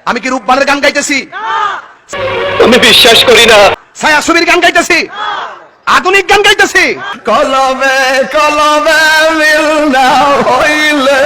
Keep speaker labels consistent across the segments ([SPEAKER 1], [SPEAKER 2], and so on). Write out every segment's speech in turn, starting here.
[SPEAKER 1] আমি কি রূপবানের গান গাইতেছি?
[SPEAKER 2] আমি বিশ্বাস করি না।
[SPEAKER 1] ছায়াছবির গান গাইতেছি? আধুনিক গান গাইতেছি? কলমে কলমে মিল না হইলে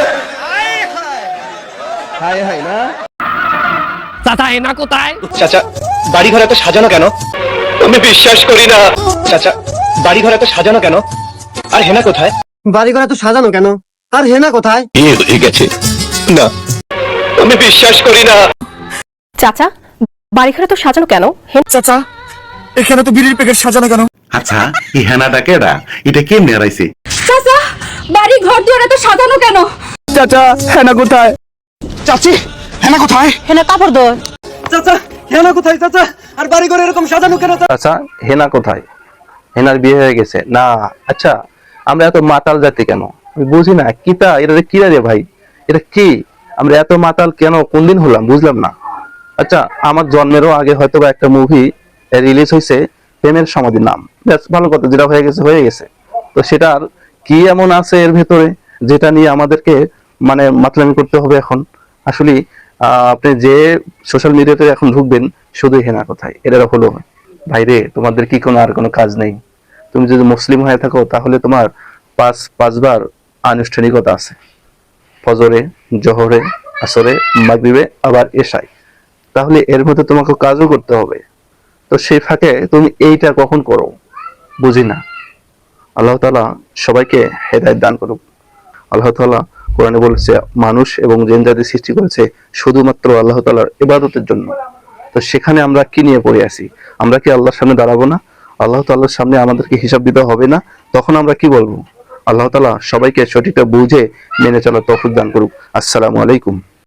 [SPEAKER 1] হাই হাই না।
[SPEAKER 3] চাচা হেনা কোথায়?
[SPEAKER 2] চাচা বাড়ি ঘর এত সাজানো কেন? আমি বিশ্বাস করি না। চাচা বাড়ি ঘর এত সাজানো কেন? আর হেনা কোথায়?
[SPEAKER 4] বাড়িঘর এত সাজানো কেন? আর হেনা কোথায়?
[SPEAKER 2] বিয়ে হয়ে গেছে না, আমি বিশ্বাস করি না।
[SPEAKER 5] চাচা বাড়িঘরে তো সাজানো কেন?
[SPEAKER 4] চাচা এখানে তো বিড়ির প্যাকেট সাজানো কেন?
[SPEAKER 6] আচ্ছা এই হেনাটা কেডা? এটা কেমনে হারাইছে?
[SPEAKER 5] চাচা বাড়ি ঘর দুয়ারে তো সাজানো কেন?
[SPEAKER 4] চাচা হেনা কোথায়?
[SPEAKER 1] চাচি হেনা কোথায়?
[SPEAKER 5] হেনা কাপড় দোয়।
[SPEAKER 4] চাচা হেনা কোথায়? চাচা আর বাড়িঘর এরকম সাজানো কেন?
[SPEAKER 7] আচ্ছা হেনা কোথায়? হেনার বিয়ে হয়ে গেছে না। আচ্ছা আমরা এত মাতাল জাতি কেন? আমি বুঝি না। কিতা এটা কিরা রে ভাই? এটা কি? আমরা এত মাতাল কেন? কোন দিন হলাম বুঝলাম না। আচ্ছা আমার জন্মেরও আগে হয়তো বা একটা মুভি রিলিজ হয়েছে, প্রেমের সমাধি নাম। ব্যাস ভালো কথা, যেটা হয়ে গেছে হয়ে গেছে। তো সেটার কি এমন আছে এর ভেতরে যেটা নিয়ে আমাদেরকে মানে মাতলামি করতে হবে এখন? আসলে আপনি যে সোশ্যাল মিডিয়াতে এখন ঢুকবেন শুধু হেনা কোথায় এটা হলো। ভাইরে তোমাদের কি কোনো আর কোনো কাজ নেই? তুমি যদি মুসলিম হয়ে থাকো তাহলে তোমার পাঁচবার আনুষ্ঠানিকতা আছে, ফজরে, জোহরে, আসরে, মাগরিবে, আবার এশায়। তাহলে এর মধ্যে তোমাকে কাজও করতে হবে। তো সেই ফাঁকে তুমি এইটা কখন করো বুঝি না। আল্লাহ তাআলা সবাইকে হেদায়েত দান করুক। আল্লাহ তাআলা কোরআনে বলেছে মানুষ এবং জিন জাতি সৃষ্টি করেছে শুধুমাত্র আল্লাহ তাআলার ইবাদতের জন্য। তো সেখানে আমরা কি নিয়ে পড়ে আছি? আমরা কি আল্লাহর সামনে দাঁড়াবো না? আল্লাহ তাআলার সামনে আমাদেরকে হিসাব দিতে হবে না? তখন আমরা কি বলবো? আল্লাহ তাআলা সবাইকে সঠিকটা বুঝে মেনে চলার তৌফিক দান করুক। আসসালামু আলাইকুম।